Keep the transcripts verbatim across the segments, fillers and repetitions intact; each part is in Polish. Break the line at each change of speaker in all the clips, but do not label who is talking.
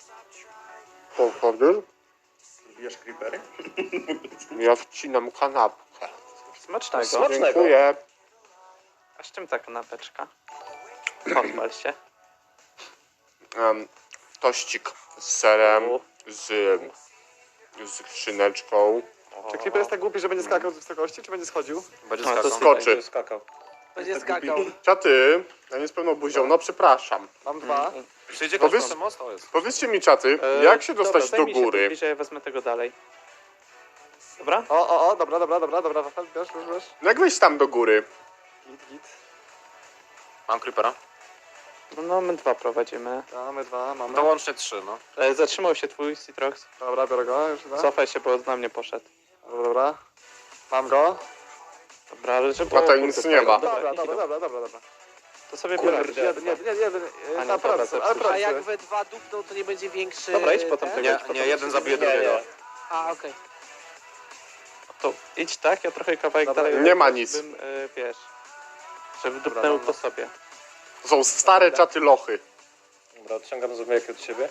Krokodyl?
Lubisz creepery?
Ja wcinam kanapkę.
Smacznego.
Smacznego.
Dziękuję.
A z czym ta kanapeczka? Pochwal się.
Um, tościk z serem,
U.
z, z szyneczką.
Czy Creeper jest tak głupi, że będzie skakał z wysokości, czy będzie schodził?
Będzie
No, to
skakał.
skoczy.
Będzie skakał.
Będzie
Tak
skakał.
Czaty, ja nie z pełną buzią, no przepraszam.
Mam dwa.
Przyjdzie
Powiedz-
kogoś na most? O, jest.
Powiedzcie mi, czaty,
E,
jak się
dobra,
dostać do
zajmij się
góry?
tym bliżej, ja wezmę tego dalej. Dobra?
O, o, o, dobra, dobra, dobra, dobra, Wafel, bierz, bierz, bierz.
Jak wejść tam do góry?
Git, git.
Mam creepera.
No, no my dwa prowadzimy.
Mamy dwa, mamy.
To łącznie trzy, no.
E, zatrzymał się twój Citrox.
Dobra, biorę go, już dwa.
Cofaj się, bo na mnie poszedł.
Dobra, dobra. Mam go.
Dobra, ale żeby...
A to
o,
nic
kurde,
nie
fajnie.
ma.
Dobra,
niech
dobra,
idą.
dobra, dobra, dobra.
To sobie
Kurde.
biorę.
Jeden, jeden, jeden, jeden.
A
e,
nie,
Na
dobra,
pracy,
to
ale
przyjdzie.
A jak
pracy.
we dwa dupną, to nie będzie większy...
Dobra, idź potem
ten?
tego.
Nie, nie, jeden zabije drugiego.
A, okej.
To idź tak, ja trochę kawałek
Dobra,
dalej.
nie ma nic.
Bym, e, wiesz, żeby
Dobra,
dupnęło
dobra.
po sobie.
To są stare czaty lochy.
Dobra, odciągam zombiaki od siebie.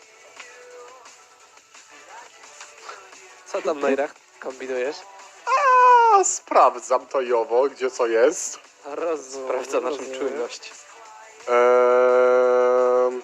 Co tam, Neurach, kombinujesz?
A sprawdzam to jowo, gdzie co jest.
Rozumiem.
Sprawdza naszą
rozumiem.
czujność.
Eee...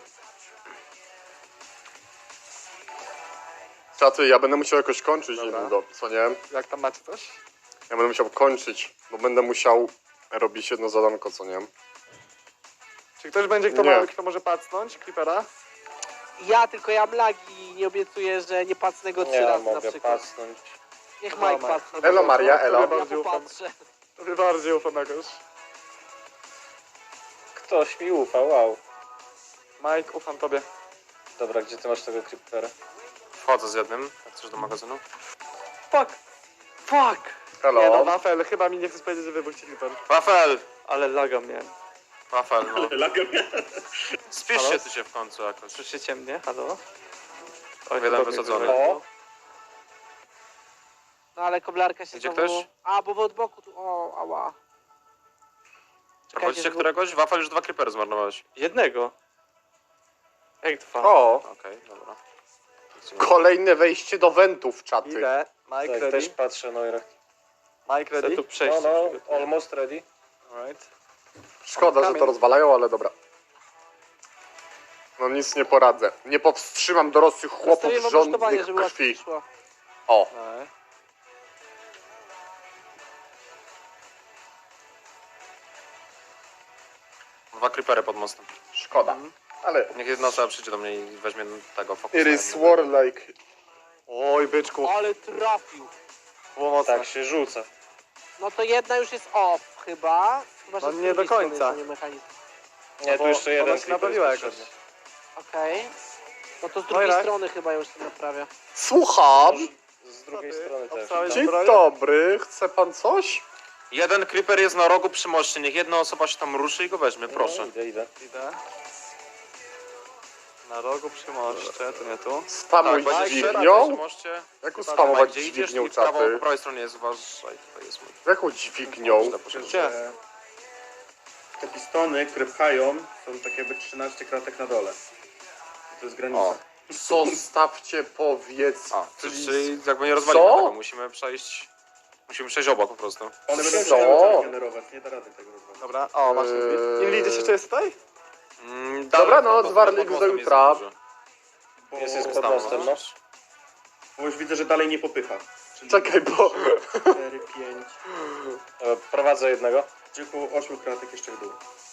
Czaty, ja będę musiał jakoś kończyć
Dobra.
niedługo, co nie?
Jak tam macie coś?
Ja będę musiał kończyć, bo będę musiał robić jedno zadanko, co nie?
Czy ktoś będzie, kto,
Nie.
ma, kto może pacnąć Creepera?
Ja tylko ja mam lagi, nie obiecuję, że nie pacnę go trzy razy na przykład.
pacnąć.
Niech
Dobra,
Mike
Mike.
pacnie.
Elo Maria, elo.
Ja
Bardziej ufam.
popatrzę.
Tobie bardziej ufam jakoś.
Ktoś mi ufa, wow.
Mike, ufam tobie.
Dobra, gdzie ty masz tego creepera? Wchodzę z jednym, jak chcesz do magazynu.
Fuck! Fuck!
Hello.
Nie no, Wafel, chyba mi nie chcesz powiedzieć, że wybuchcie Creeper.
Wafel!
Ale laga miałem.
Wafel, no. Spisz
Halo?
się ty się w końcu jakoś.
Słyszycie mnie? Halo? Oj,
Jeden
to
wysadzony.
dobry.
O!
No ale koblarka się
Idzie
znowu...
ktoś?
A, bo od boku tu... O, ała.
Prowadzicie
żeby-
któregoś? Wafel już dwa creepery zmarnowałeś.
Jednego. Jak dwa?
O,
Okej, dobra.
kolejne wejście do wentów, czaty.
Idę. Mike
Tak,
ready.
też patrzę, no i
Mike
Chcę
ready.
tu przejść.
No, no,
przygotuję.
almost ready.
Alright.
Szkoda, że to rozwalają, ale dobra. No nic nie poradzę. Nie powstrzymam dorosłych chłopów
Zostawię wam rusztowanie,
żądnych
żeby łatwiej
krwi.
szło.
O,
Alright.
Dwa creepery pod mostem.
szkoda. Ale
Niech jedna osoba przyjdzie do mnie i weźmie tego fokusa.
it is warlike.
Oj, byczku.
Ale trafił.
Było mocne.
Tak się rzuca.
No to jedna już jest off chyba. Chyba, że
No
z
nie do
drugiej strony
końca.
to nie mechanizm.
Nie,
Bo
tu jeszcze
ona
jeden
się
creeper
naprawiła
jest
jakoś.
potrzebny.
Okej. No to z
No i
drugiej
rak.
strony chyba już się naprawia.
Słucham.
Z drugiej
Co ty?
strony też.
Obstałeś
Dzień
zbroję?
dobry, chce pan coś?
Jeden creeper jest na rogu przy moście. Niech jedna osoba się tam ruszy i go weźmie, proszę.
No,
idę, idę.
Idę. Na rogu przy moście, to nie tu.
Spamuj
Tak, będzie przy
dźwignią?
moście.
Jak
Chyba,
spamować
Gdzie idziesz
dźwignią,
i w prawo,
czaty?
po prawej stronie jest, uważaj, tutaj jest mój.
Jaką dźwignią?
Źle poszedłem.
Gdzie?
Te pistony, które pchają, są tak jakby trzynaście kratek na dole. To jest granica.
O, zostawcie powiedz.
A,
please.
czyli jakby nie rozwalimy
Co?
tego, musimy przejść... Musimy przejść obok po prostu.
One będą
Co?
cały czas generować, nie da rady tego rozwalić.
Dobra, o, masz
Eee.
Inli gdzieś jeszcze jest tutaj?
Mm,
Dobra,
dalej,
no,
pod-
Zwarlik
pod mostem
za
jest
jutra.
dużo.
Bo,
Jest, jest
bo,
pod
bo,
mostem, no.
bo już widzę, że dalej nie popycha. Czyli
Czekaj, bo...
cztery, pięć,
E, Prowadzę jednego.
czyli około ośmiu kratek jeszcze w dół.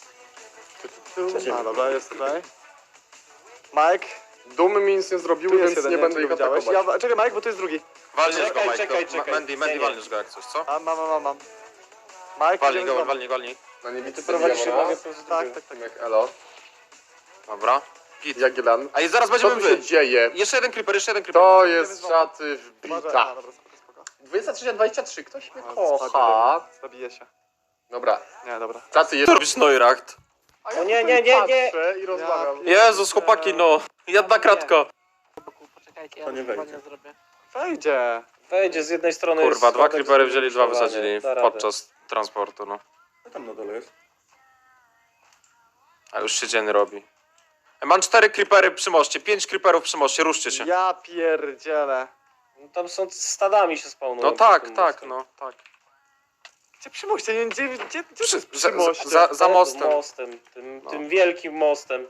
A, dobra, jest tutaj. Mike,
Dumy mi nic nie
tu
zrobiły,
jest
więc
jeden,
nie
nie
będę
wiem,
ich
czy go widziałeś.
atakować.
Ja, czekaj Mike, bo tu jest drugi.
Walniesz go,
Czekaj,
Mike.
czekaj,
Ma-
czekaj.
Mandy, Mandy,
Nie, nie.
walniesz go jak coś, co?
A, mam, mam, mam, mam. Mike,
Walnij
idziemy
go,
z wami.
walnij, walnij.
No nie
Ty
widzę
prowadzisz się
Diana.
mogę pozytywnie.
Tak, tak, tak.
Jak elo.
Dobra. Git.
Jagiellan.
A i zaraz
Co
będziemy
tu się
wy.
dzieje?
Jeszcze jeden creeper, jeszcze jeden creeper.
To jest szaty
Uważaj,
wbita.
a, dobra, spoko, spoko.
dwadzieścia trzy dwadzieścia trzy, ktoś mnie
A,
kocha.
spadnie, Zabiję się.
Dobra,
Nie, dobra.
czaty jest...
Co robisz, Neuracht?
A ja
O nie,
tutaj
nie, nie, nie.
patrzę i rozmawiam.
Ja-
Jezus, chłopaki, no. Jedna kratka.
Poczekajcie, ja
To nie
rusztowanie
wejdzie.
zrobię.
Wejdzie.
Wejdzie z jednej strony.
Kurwa,
jest
dwa
schodek,
creepery
z
wzięli,
drugiej
dwa
strony
wysadzili
da radę.
podczas transportu, no.
Co tam na dole jest?
A już się dzień robi. Mam cztery creepery przy moście, pięć creeperów przy moście, ruszcie się.
Ja pierdzielę.
No, tam są stadami się spawnują.
No
przy
tak,
tym
tak,
mostem.
no, tak.
Gdzie przy moście? Nie, gdzie, gdzie, gdzie to
Przy,
jest przy
za,
moście?
za, za
Pod
mostem.
mostem, tym,
No.
tym wielkim mostem.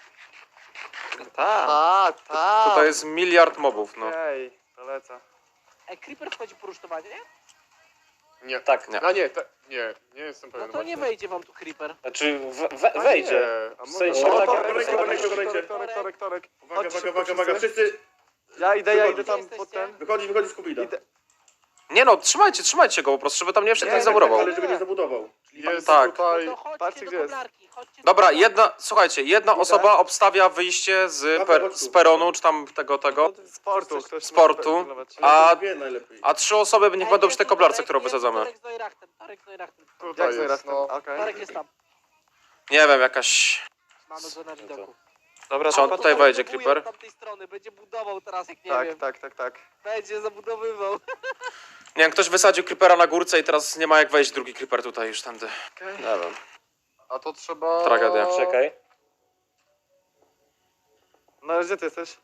Tak.
A, tak.
Tutaj jest miliard mobów, no.
Okej, to lecę.
E, Creeper wchodzi po rusztowanie?
Nie.
Tak,
Nie.
A nie, te, nie, nie jestem
No
pewien
to nie
właśnie.
wejdzie wam tu Creeper.
Znaczy we, we,
A
wejdzie.
nie, a
W
może-
sensie
O,
tak
to-
jak-
Korek, korek, korek, korek.
Torek, torek, torek.
Uwaga,
Chodźcie
uwaga,
szybko
uwaga, uwaga,
wszyscy.
wszyscy.
Ja idę, ja idę
Gdzie
tam
jesteście?
potem.
Wychodzi, wychodzi z kubida.
Idę.
Nie no, trzymajcie, trzymajcie go po prostu, żeby tam nie wszedł,
Nie,
nie zamurował.
Ale żeby nie zabudował.
Jest
Tak.
tutaj...
No to chodźcie
Patrzcie,
do
gdzie jest.
koblarki, chodźcie do
Dobra,
koblarki.
jedna, słuchajcie, jedna osoba obstawia wyjście z,
Dobra,
per,
chodź tu.
z peronu, czy tam tego, tego,
Z portu. Ktoś
Sportu.
może pilnować.
A-
A dwie najlepiej.
a trzy osoby niech
Ej,
będą
jest
przy tej
tu
koblarce,
Torek,
którą
jest tu
wysadzamy.
Torek z Neurachtem, Torek z Neurachtem.
Tutaj
Jak
jest,
zaraz
no.
Okej.
Torek jest tam.
Nie wiem, jakaś...
Mamy go na widoku.
Dobra,
Czy on
to
to
tutaj wejdzie,
zabudowuje
Creeper?
od tamtej strony, będzie budował teraz, jak nie
Tak,
wiem.
tak, tak, tak.
Będzie zabudowywał.
Nie wiem, ktoś wysadził creepera na górce i teraz nie ma jak wejść drugi creeper tutaj już tędy.
Okej.
Nie wiem.
A to trzeba...
Tragedia.
czekaj.
No ale gdzie ty jesteś?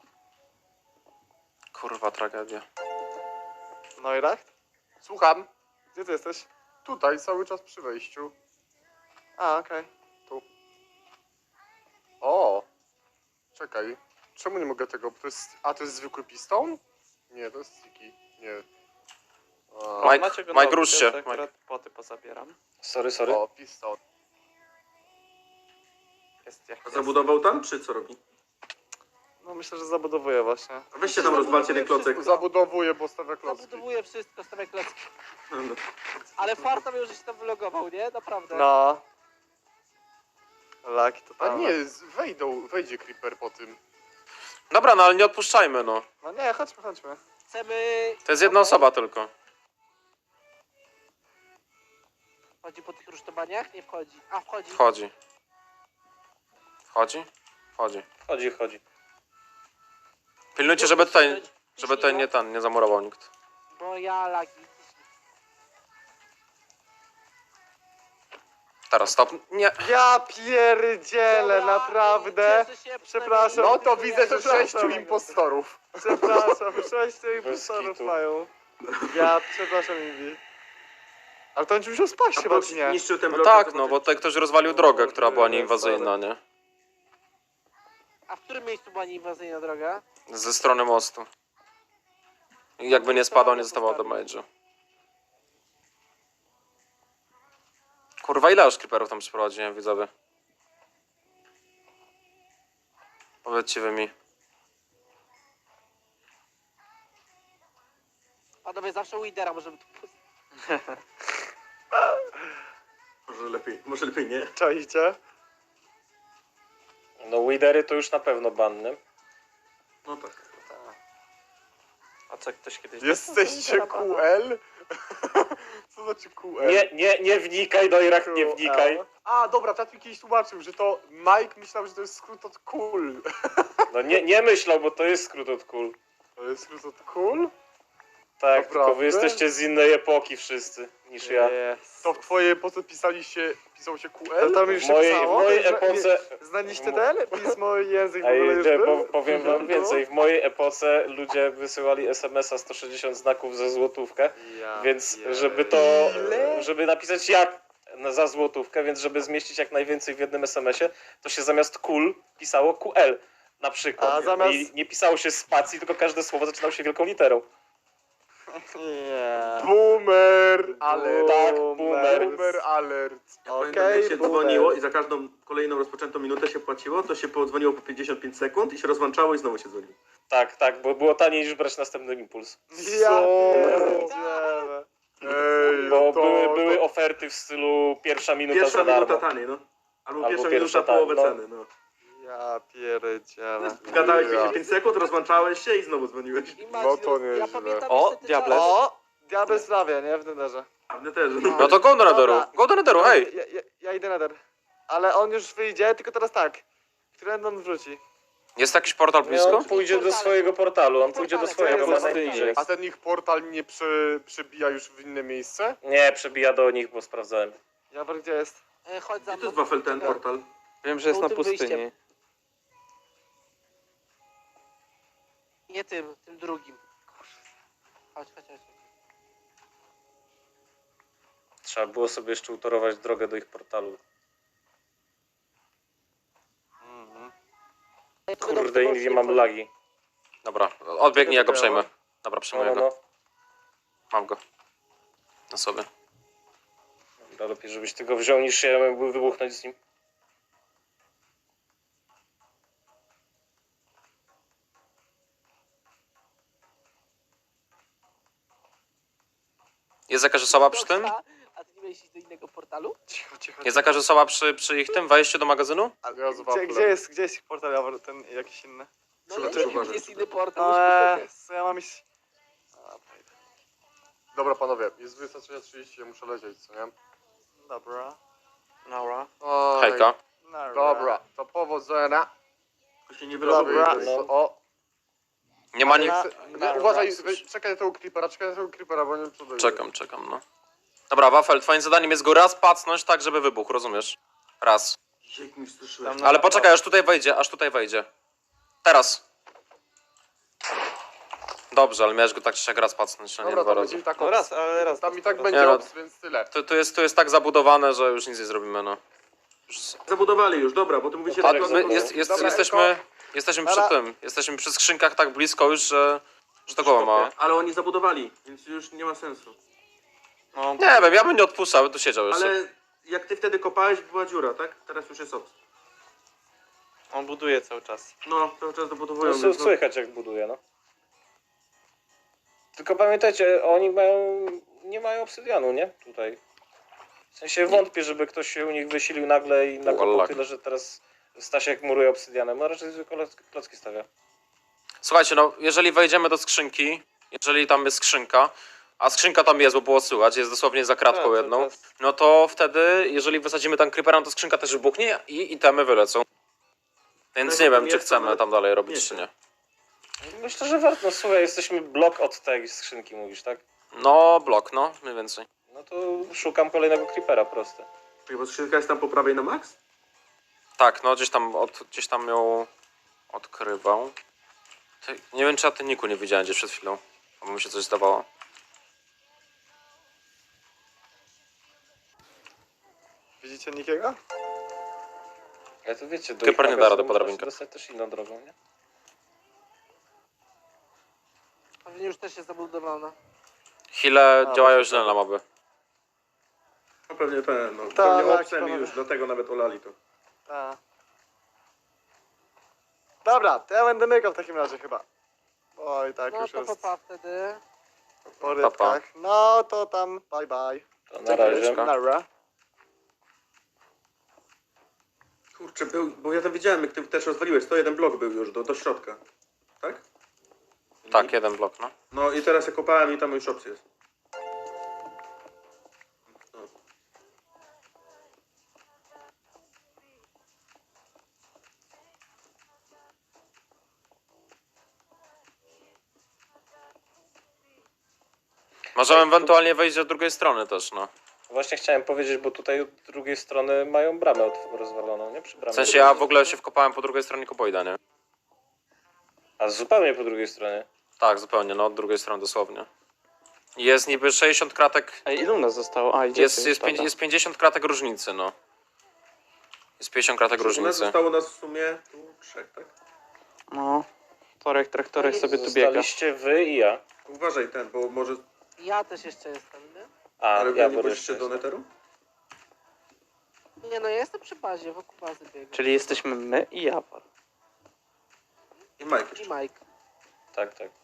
Kurwa, tragedia.
Neuracht?
Słucham.
Gdzie ty jesteś?
Tutaj, cały czas przy wejściu.
A, okej.
O! Czekaj. Czemu nie mogę tego? To jest... A, to jest zwykły piston? Nie, to jest sticky. Nie. A,
Mike,
Macie go
Mike,
na
rusz się.
opiece,
Mike.
akurat poty pozabieram. Sorry, sorry.
o, piston.
Jest jak
A
jest.
zabudował tam, czy co robi?
No myślę, że zabudowuję właśnie.
Weźcie tam rozwalcie ten klocek.
Zabudowuję, bo stawia klocki.
Zabudowuje wszystko, stawia klocki.
No.
Ale farta miał, że się tam wylogował, nie? Naprawdę.
No. Laki to
A
tam.
nie, z- wejdą, wejdzie creeper po tym.
Dobra, no ale nie odpuszczajmy, no.
No nie, chodźmy, chodźmy.
Chcemy...
To jest jedna
Okej.
osoba tylko.
Wchodzi po tych rusztowaniach? Nie wchodzi. A, wchodzi.
Wchodzi. Wchodzi? Wchodzi.
Chodzi, chodzi.
Pilnujcie, żeby tutaj,
Ciśnij
żeby tutaj
go,
nie ten, nie zamurował nikt.
Bo ja lagi.
Teraz stop. Nie.
Ja pierdzielę,
Dobra,
naprawdę.
cieszę się,
Przepraszam.
przynajmniej
No to
dziękuję.
widzę, że
Przepraszam.
sześciu impostorów.
Przepraszam, sześciu impostorów
kitu.
mają. Ja przepraszam, Invi. Ale to on ci musiał spaść
A
chyba,
Box
czy nie?
niszczył ten
No
blok.
tak, no bo tutaj ktoś rozwalił drogę, która była
Boże,
nieinwazyjna, nie?
A w którym miejscu była nieinwazyjna droga?
Ze strony mostu. I jakby nie spadał, nie zostawał damage'u. Kurwa, ile już creeperów tam przyprowadziłem, widzowie? Powiedzcie wy mi.
Panowie, zawsze Widera możemy tu puścić.
Może lepiej, może lepiej nie.
Czaicie?
No Widery to już na pewno banny.
No tak.
A co ktoś kiedyś...
Jesteście Q L? Co znaczy Q L?
Nie, nie, nie wnikaj, Dojrak, nie wnikaj.
A, dobra, Tatwi kiedyś tłumaczył, że to Mike myślał, że to jest skrót od cool.
No nie, nie myślał, bo to jest skrót od kul.
To jest skrót od cool?
Tak,
Naprawdę?
tylko wy jesteście z innej epoki wszyscy niż ja.
Yes.
To w twojej epoce pisali się, pisał się Q
To
L?
tam już
W
się
mojej, w
pisało?
mojej
Zna-
epoce...
nie- Znaliście ten pismo i język w
A
ogóle już
idę,
był?
po, powiem wam więcej, w mojej epoce ludzie wysyłali es em es a sto sześćdziesiąt znaków za złotówkę,
Ja
więc
pier-
żeby to,
Ile?
żeby napisać jak na- za złotówkę, więc żeby zmieścić jak najwięcej w jednym es em esie, to się zamiast kul pisało Q L na przykład.
A zamiast-
I nie pisało się spacji, tylko każde słowo zaczynało się wielką literą.
Nie.
Boomer alert.
Tak,
Boomer.
boomer.
Boomer alert.
Ja
Okej,
pamiętam, jak się
boomer.
dzwoniło i za każdą kolejną rozpoczętą minutę się płaciło, to się podzwoniło po pięćdziesiąt pięć sekund i się rozłączało i znowu się dzwoniło.
Tak, tak, bo było taniej niż brać następny impuls.
Ja
Co?
pierdzielę.
Ej,
Bo
no to,
były,
to,
były oferty w stylu pierwsza minuta
Pierwsza
za darmo.
minuta taniej, no. Albo,
Albo
pierwsza,
pierwsza
minuta połowę
taniej, no.
ceny, no.
Ja pierdzielę.
Gadałeś
Ja.
pięćdziesiąt pięć sekund, rozłączałeś się i znowu dzwoniłeś.
No to
Ja
nieźle.
pamiętam
O,
jeszcze te
diable.
czasy.
O! Diabeł sprawia, nie? W Netherze.
A mnie też.
No to go do nederu,
Dobra.
go do nederu, hej!
Ja, ja, ja idę Nether. Ale on już wyjdzie, tylko teraz tak. Którędy on wróci?
Jest jakiś portal
Nie,
blisko?
on pójdzie do swojego portalu, on pójdzie do
Portale,
swojego,
co
ma
jest
najbliżej.
A ten ich portal nie przy, przybija już w inne miejsce?
Nie, przebija do nich, bo sprawdzałem.
Jawor, gdzie jest?
E, Chodź za
Gdzie to
mną.
jest wafel ten portal?
Wiem,
że jest na pustyni. Nie tym, tym drugim. Chodź, chodź, chodź.
Trzeba było sobie jeszcze utorować drogę do ich portalu.
Mhm.
Ja tu będę
Kurde, Invi, mam lagi.
Dobra, odbiegnij, ja go
Dobra.
przejmę. Dobra,
No,
przejmuję
no,
go.
no.
Mam go. Na sobie.
Dobra, lepiej, żebyś ty go wziął, niż ja mógłby wybuchnąć z nim.
Jest jakaś osoba przy tym?
A ty nie miałeś iść do innego portalu?
Cicho, cicho.
Jest jakaś osoba przy, przy ich tym wejściu do magazynu?
A,
Ja z
gdzie,
waflem.
gdzie jest, gdzie jest ich portal Jawor, ten jakiś inny?
No
Trzeba
ja
też
nie wiem,
uważać
gdzie jest
tutaj.
inny portal.
No,
już
eee, co ja mam iść? A, wejdę.
Dobra panowie, jest dwudziesta trzecia trzydzieści, ja muszę lecieć, co nie?
Dobra.
Nora.
Oj,
Hejka.
Nara.
Dobra, to powodzenia.
To się nie
Dobra,
wyloguje.
no.
o.
Nie ma nikt.
Nie, nie, uważaj, wy- czekaj na tego creepera, czekaj na tego creepera, bo nie wiem co dojdzie.
Czekam, czekam, no. Dobra, Wafel, twoim zadaniem jest go raz pacnąć tak, żeby wybuchł, rozumiesz? Raz.
Jak mi straszyłeś.
Tam
Ale poczekaj, aż tutaj wejdzie, aż tutaj wejdzie. Teraz. Dobrze, ale miałeś go tak czy siak raz pacnąć, a nie
Dobra,
dwa
to
razy.
będzie i tak
No
ops.
raz, ale raz.
Tam i tak
raz.
będzie
Nie, no.
ops, więc tyle.
To, to, jest, to jest tak zabudowane, że już nic nie zrobimy, no. Już...
Zabudowali już, dobra, bo ty mówicie...
A
tak,
my
zabudował.
jest, jest,
Dobra,
jesteśmy, jesteśmy przy
Dobra.
tym, jesteśmy przy skrzynkach tak blisko już, że, że to głowa ma.
Ale oni zabudowali, więc już nie ma sensu.
No,
Nie wiem, ja bym nie odpuszczał, tu siedział jeszcze.
Ale jak ty wtedy kopałeś, była dziura, tak? Teraz już jest ops.
on buduje cały czas.
No, cały czas dobudowują.
No,
więc no,
słychać jak buduje, no. Tylko pamiętajcie, oni mają, nie mają obsydianu, nie? Tutaj. W sensie wątpię, żeby ktoś się u nich wysilił nagle i nakopał
Wallach.
tyle, że teraz Stasiek muruje obsydianem. No raczej zwykle kloc- klocki stawia.
Słuchajcie, no jeżeli wejdziemy do skrzynki, jeżeli tam jest skrzynka, a skrzynka tam jest, bo było słychać, jest dosłownie za kratką
Tak, to
jedną,
teraz-
no to wtedy, jeżeli wysadzimy tam creepera, to skrzynka też wybuchnie i itemy wylecą. Więc
No,
nie
tam
wiem, czy
jest,
chcemy
ale
tam dalej robić,
wiecie.
czy nie.
Myślę, że warto. No słuchaj, jesteśmy blok od tej skrzynki, mówisz, tak?
No, blok, no, mniej więcej.
No to szukam kolejnego creepera, proste.
Czekaj, bo skrzynka jest tam po prawej na max?
Tak, no gdzieś tam, od, gdzieś tam ją odkrywał. Ty, nie wiem, czy ja ty Niku nie widziałem gdzieś przed chwilą, bo mi się coś zdawało.
Widzicie nikiego?
Ale to wiecie, do
Creeper
ich
nie da rady
magazynu
po
można
drabinkach.
się dostać też inną drogą, nie?
Pewnie już też jest zabudowana.
Chwile
A,
działają
właśnie
źle na moby.
No pewnie ten, no.
Tak,
pewnie
tak,
opsem i
panowie.
już dlatego nawet olali to.
Tak. Dobra, to ja będę mykał w takim razie chyba. Oj, tak
No
już
to
jest
papa wtedy.
po rybkach. No to tam, bye bye.
To na razie.
Dziękuję.
Nara.
Kurczę, był, bo ja tam widziałem, jak ty też rozwaliłeś, to jeden blok był już do, do środka. Tak?
Tak, jeden blok, no.
No i teraz ja kopałem i tam już ops jest. No.
Możemy ewentualnie wejść od drugiej strony też, no.
Właśnie chciałem powiedzieć, bo tutaj od drugiej strony mają bramę od- rozwaloną, nie? Przy bramie.
W sensie ja w ogóle się wkopałem po drugiej stronie Koboida, nie?
A zupełnie po drugiej stronie.
Tak, zupełnie, no od drugiej strony dosłownie. Jest niby sześćdziesiąt kratek,
Ej, ilu nas zostało? A, idzie
jest, jest, pięć, jest pięćdziesiąt kratek różnicy, no. Jest pięćdziesiąt kratek
U nas
różnicy.
zostało nas w sumie tu trzech, tak?
No, Torek, traktorek sobie tu biega.
Zostaliście wy i ja.
Uważaj ten, bo może...
Ja też jeszcze jestem, nie?
A,
Ale
ja
wy nie
bo
pójdziecie
jeszcze
do neteru?
Nie no, ja jestem przy bazie, wokół bazy biegam.
Czyli jesteśmy my i Jawor.
I Mike
I
jeszcze.
Mike.
Tak, tak.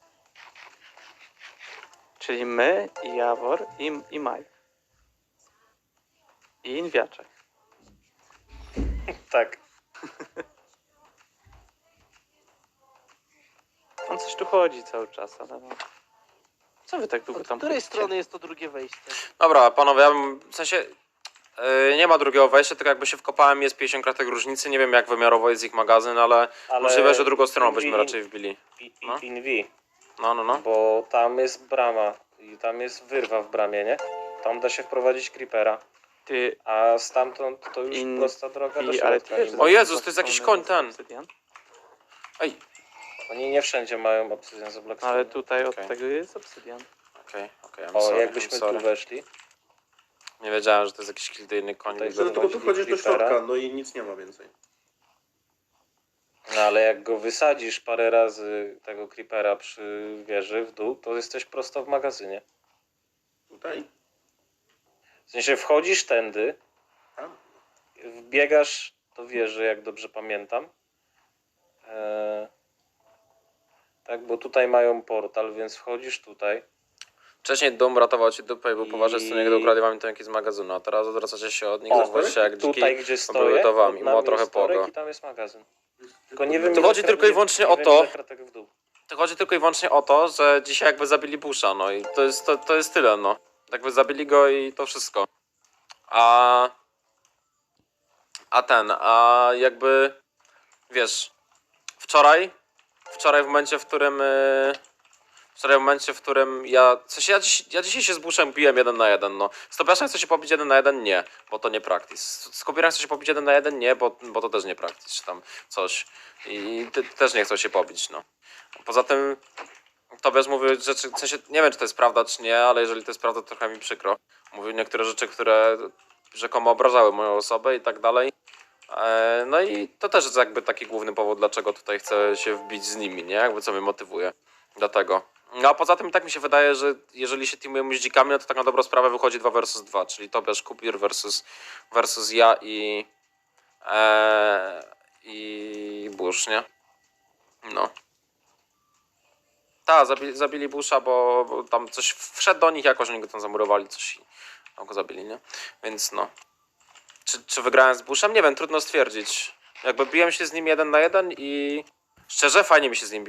Czyli my i Jawor i, i Mike. I Inwiaczek.
Tak.
On coś tu chodzi cały czas, ale no. Co wy tak długo
Od
tam
której
chodzicie?
strony jest to drugie wejście?
Dobra, panowie, ja bym, w sensie yy, nie ma drugiego wejścia, tylko jakby się wkopałem, jest pięćdziesiąt kratek różnicy, nie wiem jak wymiarowo jest ich magazyn, ale,
Ale
możliwe, że drugą stroną
Invi-
byśmy raczej wbili.
I,
No.
i, Invi,
No, no, no.
bo tam jest brama i tam jest wyrwa w bramie, nie? Tam da się wprowadzić creepera,
Ty,
a stamtąd to już
In-
prosta droga do
i, ale ty
środka.
wiesz,
nie?
że
O Jezus,
z
to jest jakiś
strony
koń ten.
obsydian?
Ej,
Oni nie wszędzie mają obsydian za Blackstone.
Ale tutaj od
Okej.
tego jest obsydian.
Okej, okej, I'm
O,
sorry,
jakbyśmy
I'm sorry.
tu weszli.
Nie wiedziałem, że to jest jakiś kildyjny koń.
Tutaj
No tylko tu wchodzisz do
Creepera.
środka, no i nic nie ma więcej.
No ale jak go wysadzisz parę razy tego creepera przy wieży w dół, to jesteś prosto w magazynie.
Tutaj?
W sensie wchodzisz tędy,
Tam?
wbiegasz do wieży, jak dobrze pamiętam. Eee, tak, bo tutaj mają portal, więc wchodzisz tutaj.
Wcześniej dom ratował ci dupę i był
I-
poważny, z którego ukradli wam to z magazynu, a teraz odwracacie się od nich,
O,
zachowujecie się jak dziki.
Tutaj, gdzie
były
stoję,
to wam
pod
i
nami
ma trochę
jest torek
pogo.
i tam jest magazyn. Tylko nie wiem,
To
ile
chodzi
kra-
tylko i
nie-
wyłącznie
nie
o
wiem,
to-
ile kratek w dół.
To chodzi tylko i wyłącznie o to, że dzisiaj jakby zabili Busha, no i to jest, to, to jest tyle, no. Jakby zabili go i to wszystko. A... A ten, a jakby... Wiesz, wczoraj, wczoraj w momencie, w którym... Yy, wczoraj w momencie, w którym ja... W sensie ja, dziś, ja dzisiaj się z Bushem biłem jeden na jeden, no. Z Tobiaszem chcę się pobić jeden na jeden? Nie, bo to nie practice. Z, z Kubirem chcę się pobić jeden na jeden? Nie, bo, bo to też nie practice, czy tam coś. I ty, też nie chcą się pobić, no. Poza tym Tobiasz mówił rzeczy, w sensie nie wiem, czy to jest prawda, czy nie, ale jeżeli to jest prawda, to trochę mi przykro. Mówił niektóre rzeczy, które rzekomo obrażały moją osobę i tak dalej. E, No i to też jest jakby taki główny powód, dlaczego tutaj chcę się wbić z nimi, nie? Jakby co mnie motywuje do tego. No a poza tym tak mi się wydaje, że jeżeli się teamujemy z dzikami, no to tak na dobrą sprawę wychodzi dwa versus dwa, czyli Tobiasz, Kubir versus, versus ja i... E, i Bush, nie? No. Tak, zabili, zabili Busha, bo, bo tam coś wszedł do nich jakoś, oni go tam zamurowali, coś i tam go zabili, nie? Więc no. Czy, czy wygrałem z Bushem? Nie wiem, trudno stwierdzić. Jakby biłem się z nim jeden na jeden i szczerze fajnie mi się z nim biło.